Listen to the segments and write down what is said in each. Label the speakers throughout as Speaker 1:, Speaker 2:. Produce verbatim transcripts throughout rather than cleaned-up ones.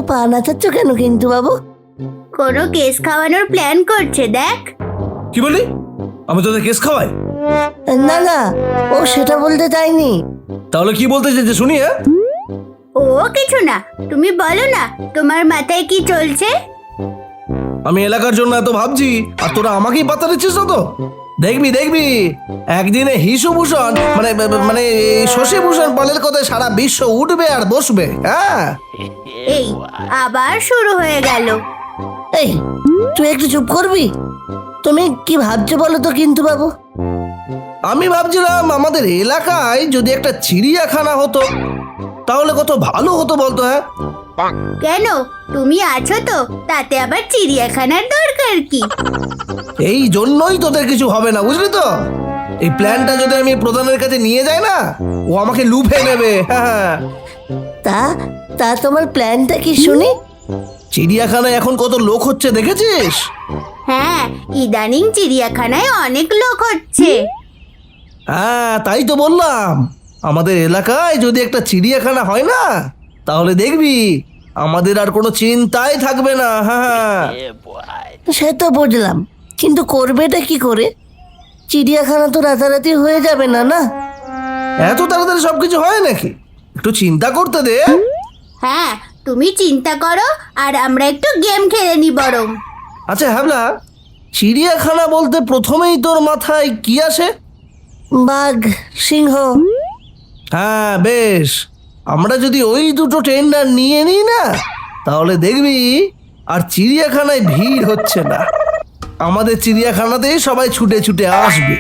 Speaker 1: পা নাচাচ্ছ কেন কিন্তু বাবু?
Speaker 2: কোনো কেস খাওয়ানোর প্ল্যান করছে দেখ।
Speaker 3: কি বলি? আমি তোদের কেস খাওয়াই?
Speaker 1: না না, ও সেটা বলতে চাইনি।
Speaker 3: তাহলে কি বলতে চাইছে শুনি? হ্যাঁ,
Speaker 2: ও কিছু না, তুমি বলো না তোমার মাথায় কি চলছে।
Speaker 3: আমি এলাকার জন্য এত ভাবছি আর তোরা আমাকেই পাতা দিচ্ছিস না তো? দেখবি দেখবি একদিনে হিসুভূষণ মানে মানে শশীভূষণ পালের কথায় সারা বিশ্ব উঠবে আর বসবে। হ্যাঁ,
Speaker 2: এই আবার শুরু হয়ে গেল।
Speaker 1: এই তুই একটু চুপ করবি? তুমি কি ভাবছো বলো তো কিন্তু বাবু?
Speaker 3: আমি ভাবছিলাম আমাদের এলাকায় যদি একটা চিড়িয়াখানা হতো তাহলে কত ভালো হতো বলতো। হ্যাঁ,
Speaker 2: কেন, তুমি আছো তো, তাতে আবার চিড়িয়াখানার দরকার কি?
Speaker 3: এই জন্যই তোদের কিছু হবে না, বুঝলি তো? এই প্ল্যানটা যদি আমি প্রধানের কাছে নিয়ে যাই না, ও আমাকে লুফে নেবে। হ্যাঁ,
Speaker 1: তা তা তোমার প্ল্যানটা কি শুনি?
Speaker 3: চিড়িয়াখানায় এখন কত লোক হচ্ছে দেখেছিস?
Speaker 2: হ্যাঁ, ইদানিং চিড়িয়াখানায় অনেক লোক হচ্ছে।
Speaker 3: হ্যাঁ, তাই তো বললাম, আমাদের এলাকায় যদি একটা চিড়িয়াখানা হয় না, তাহলে দেখবি আমাদের আর কোনো চিন্তাই থাকবে না। হ্যাঁ,
Speaker 1: সে তো বুঝলাম, কিন্তু করবেটা কি করে? চিড়িয়াখানা তো রাতারাতি হয়ে যাবে না না?
Speaker 3: এত তাড়াতাড়ি সবকিছু হয় নাকি? একটু চিন্তা করতে দে।
Speaker 2: হ্যাঁ, তুমি চিন্তা করো আর আমরা একটু গেম খেলে নি বরং।
Speaker 3: আচ্ছা হ্যাবলা, চিড়িয়াখানা বলতে প্রথমেই তোর মাথায় কি আসে?
Speaker 1: বাঘ, সিংহ।
Speaker 3: হ্যাঁ বেশ, আমরা যদি ওই দুটো টেন্ডার নিয়ে নিই না, তাহলে দেখবি আর চিড়িয়াখানায় ভিড় হচ্ছে না। আমাদের চিড়িয়াখানাতেই সবাই ছুটে ছুটে আসবে।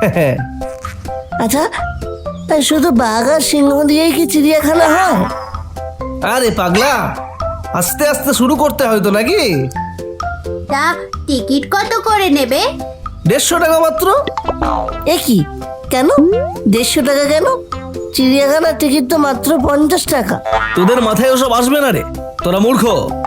Speaker 1: আচ্ছা, তাই শুধু বাঘ আর সিংহ দিয়েই কি চিড়িয়াখানা হয়?
Speaker 3: আরে পাগলা, আস্তে আস্তে শুরু করতে হয়তো নাকি?
Speaker 2: তা টিকিট কত করে নেবে?
Speaker 3: দেড়শো টাকা মাত্র।
Speaker 1: এ কি, কেন দেড়শো টাকা কেন? চিড়িয়াখানার টিকিট তো মাত্র পঞ্চাশ টাকা।
Speaker 3: তোদের মাথায় ওসব আসবে না রে, তোরা মূর্খ।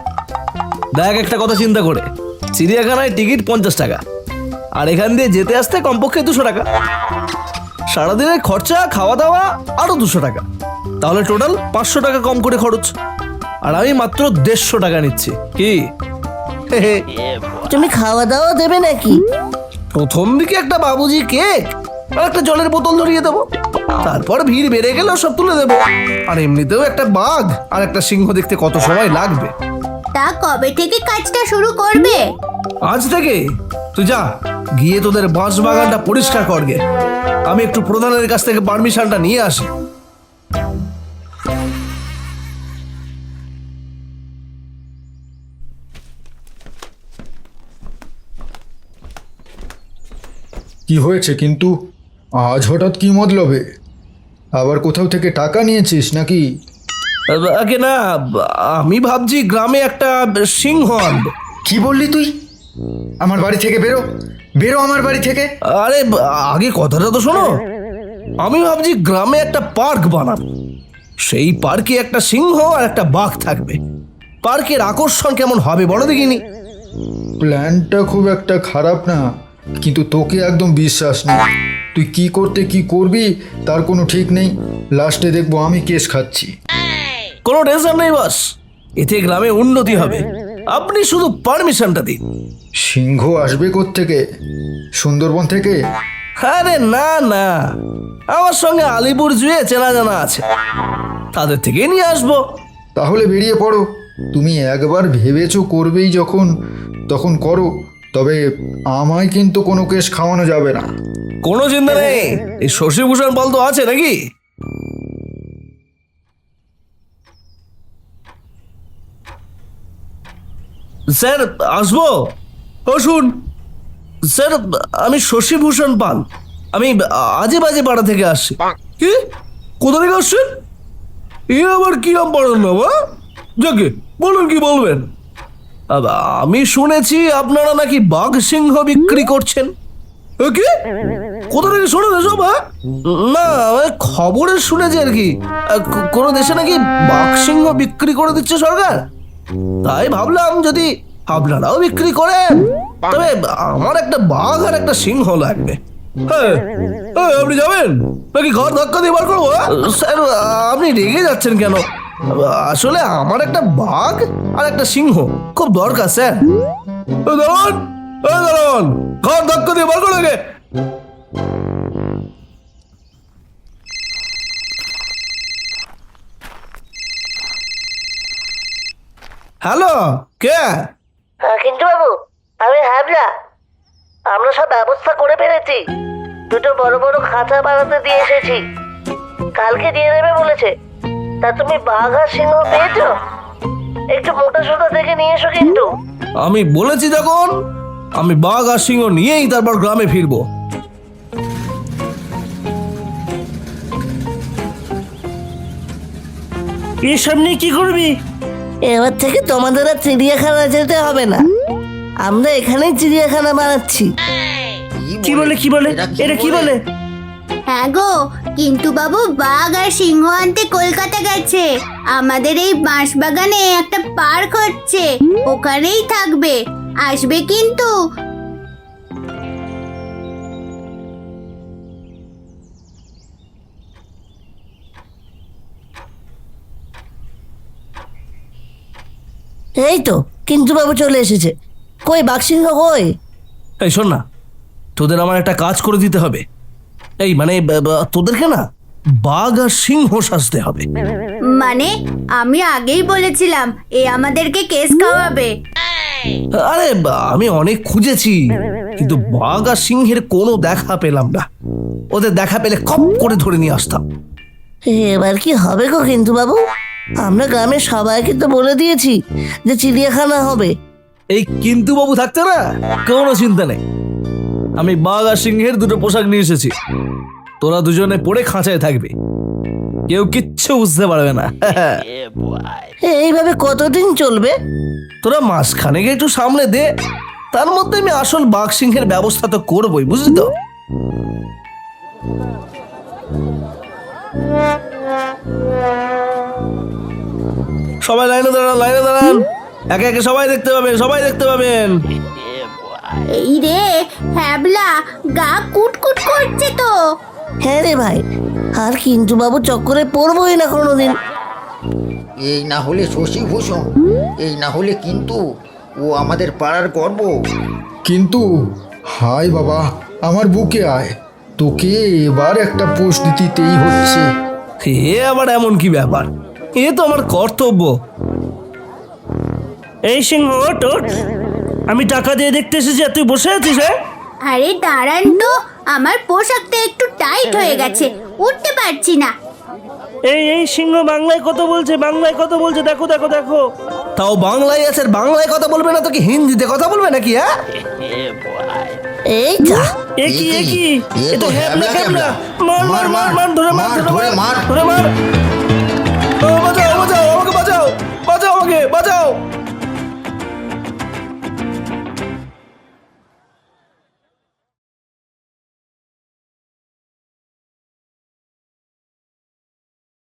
Speaker 3: দেখ একটা কথা চিন্তা করে, চিড়িয়াখানায় টিকিট পঞ্চাশ টাকা আর এখান দিয়ে যেতে আসতে কমপক্ষে দুশো টাকা। সারাদিনের খরচা খাওয়া দাওয়া আরো দুশো টাকা, তাহলে টোটাল পাঁচশো টাকা কম করে খরচ। আর আমি মাত্র দেড়শো টাকা নিচ্ছি। কি
Speaker 1: তুমি খাওয়া দাওয়া দেবে নাকি?
Speaker 3: প্রথম দিকে একটা বাবুজি কেক আর একটা জলের বোতল ধরিয়ে দেবো, তারপর ভিড় বেড়ে গেলে সব তুলে দেবো। আর এমনিতেও একটা বাঘ আর একটা সিংহ দেখতে কত সময় লাগবে।
Speaker 2: তা কবে থেকে কাজটা শুরু করবে?
Speaker 3: আজ থেকে? তুই যা গিয়ে তোদের বাঁশ বাগানটা পরিষ্কার করগে, আমি একটু প্রধানের কাছ থেকে পারমিশনটা নিয়ে আসি।
Speaker 4: কি হয়েছে কিন্তু? আজ হঠাৎ কি মতলবে? আবার কোথাও থেকে টাকা নিয়েছিস নাকি?
Speaker 3: আগে না, আমি ভাবছি গ্রামে একটা সিংহ আনবো।
Speaker 4: কি বললি তুই? আমার বাড়ি থেকে বেরো, বেরো আমার বাড়ি থেকে।
Speaker 3: আরে আগে কথাটা তো শোনো, আমি ভাবছি গ্রামে একটা পার্ক বানাবো। সেই পার্কে একটা সিংহ আর একটা বাঘ থাকবে। পার্কের আকর্ষণ কেমন হবে বড় দেখিনি?
Speaker 4: প্ল্যানটা খুব একটা খারাপ না, কিন্তু তোকে একদম বিশ্বাস নেই। তুই কি করতে কি করবি তার কোনো ঠিক নেই। লাস্টে দেখবো আমি কেস খাচ্ছি।
Speaker 3: কোনো টেনশন নেই বস, এতে গ্রামে উন্নতি হবে। আপনি শুধু পারমিশনটা দিন।
Speaker 4: সিংহ আসবে কোত্থেকে? সুন্দরবন থেকে?
Speaker 3: আরে না না, আমার সঙ্গে আলিপুর জুয়ে চেনা জানা আছে, তাদের থেকে নিয়ে আসবো।
Speaker 4: তাহলে বেরিয়ে পড়ো। তুমি একবার ভেবেছো করবেই যখন, তখন করো। তবে আমায় কিন্তু কোনো কেস খাওয়ানো যাবে না।
Speaker 3: কোনো চিন্তা নেই, এই শশীভূষণ বল তো আছে নাকি? স্যার আসবো? বসুন। স্যার আমি শশীভূষণ পাল, আমি আজে বাজে পাড়া থেকে আসছি। কি, কোথা থেকে আসছেন? এ আবার কি নাম পড়েন না? যাকে বলুন, কি বলবেন? আমি শুনেছি আপনারা নাকি বাঘ সিংহ বিক্রি করছেন। কি, কোথা থেকে শোনেন এসব? হ্যাঁ না, খবরে শুনেছি আর কি, কোনো দেশে নাকি বাঘ সিংহ বিক্রি করে দিচ্ছে সরকার। তাই ভাবলাম যদি আপনারাও বিক্রি করেন, তবে আমার একটা বাঘ আর একটা সিংহ লাগবে। হ্যাঁ, আপনি যাবেন নাকি ঘর ধাক্কা দিয়ে বার করবো? স্যার আপনি রেগে যাচ্ছেন কেন? আসলে আমার একটা বাঘ আর একটা সিংহ খুব দরকার স্যার। ও দারুন, ও দারুন, ঘর ধাক্কা দিয়ে বার করে গে। হ্যালো, কে?
Speaker 1: হ্যাঁ কিন্তু বাবু, আমি হ্যাবলা। আমরা সব ব্যবস্থা করে ফেলেছি। দুটো বড় বড় খাঁচা বানাতে দিয়ে এসেছি, কালকে দিয়ে দেবে বলেছে। তা তুমি বাঘ আর সিংহ পেয়েছো? একটু মোটা সোটা দেখে নিয়ে এসো কিন্তু।
Speaker 3: আমি বলেছি যখন, আমি বাঘ আর সিংহ নিয়েই তারপর গ্রামে ফিরবো।
Speaker 1: এসব নিয়ে কি করবি? এবার থেকে তোমাদের আর চিড়িয়াখানা যেতে হবে না, আমরা এখানেই চিড়িয়াখানা বানাচ্ছি। কি বলে কি বলে এটা কি বলে?
Speaker 2: হ্যাঁ গো, কিন্তু বাবু বাঘ আর সিংহ আনতে কলকাতা গেছে। আমাদের এই বাঁশবাগানে একটা পার্ক হচ্ছে, ওখানেই থাকবে। আসবে কিন্তু।
Speaker 1: এই তো কিন্তু বাবু চলে এসেছে। কই বাঘ সিংহ কই?
Speaker 3: এই শোন না, তোদের আমার একটা কাজ করে দিতে হবে। এই মানে ব- ব- তোদেরকে না বাঘ আর সিংহ সাজতে হবে।
Speaker 2: মানে আমি আগেই বলেছিলাম এ আমাদেরকে কেস খাওয়াবে।
Speaker 3: আরে বা- আমি অনেক খুঁজেছি, কিন্তু বাঘ আর সিংহের কোনো দেখা পেলাম না। ওদের দেখা পেলে খপ করে ধরে নিয়ে আসতাম।
Speaker 1: এবার কি হবে গো কিন্তু বাবু? আমরা গ্রামের সবাইকে তো বলে দিয়েছি যে চিড়িয়াখানা হবে।
Speaker 3: এই কিন্তু বাবু থাকতে না কোনো চিন্তা নেই। আমি বাঘ আর সিংহের দুটো পোশাক নিয়ে এসেছি, তোরা দুজনে পরে খাঁচায় থাকবি, কেউ কিচ্ছু বুঝতে পারবে না।
Speaker 1: এইভাবে কতদিন চলবে?
Speaker 3: তোরা মাঝখানে একটু সামনে দে, তার মধ্যে আমি আসল বাঘ সিংহের ব্যবস্থা তো করবোই, বুঝলি তো? সবাই লাইনে দাঁড়ান, লাইনে দাঁড়ান, একে একে সবাই দেখতে পাবেন, সবাই দেখতে পাবেন।
Speaker 2: এই রে হ্যাবলা, গা কুটকুট করছে তো।
Speaker 1: হ্যাঁ রে ভাই, আর কিন্তু বাবু চক্করে পড়বোই না কোনোদিন।
Speaker 5: এই না হলে শশীভূষণ, এই না হলে কিন্তু ও আমাদের পাড়ার গর্ব।
Speaker 4: কিন্তু হায় বাবা, আমার বুকে আয়, তোকে এবার একটা পোস্ট দিতেই হচ্ছে।
Speaker 3: এ আবার এমন কি ব্যাপার? এ তো আমার কর্তব্য।
Speaker 1: এই সিংহ ওঠ ওঠ, আমি টাকা দিয়ে দেখতে এসেছি আর তুই বসে আছিস? হ্যাঁ
Speaker 2: আরে দাঁড়ান তো, আমার পোশাকটা একটু টাইট হয়ে গেছে, উঠতে পারছি না।
Speaker 1: এই এই সিংহ বাংলায় কত বলছে, বাংলায় কত বলছে, দেখো দেখো দেখো।
Speaker 3: তাও বাংলায় আছে, আর বাংলায় কথা বলবে না তো কি হিন্দিতে কথা বলবে নাকি? হ্যাঁ,
Speaker 1: এই যা,
Speaker 5: এ কি, এ কি? এ তো হ্যাবলা ক্যাবলা।
Speaker 1: মার মার মার মার, ধরে মার
Speaker 5: মার,
Speaker 1: ধরে
Speaker 5: ধরে
Speaker 1: মার
Speaker 5: মার।
Speaker 1: ধরে মার।
Speaker 3: ও বাঁচাও, ও বাঁচাও, ও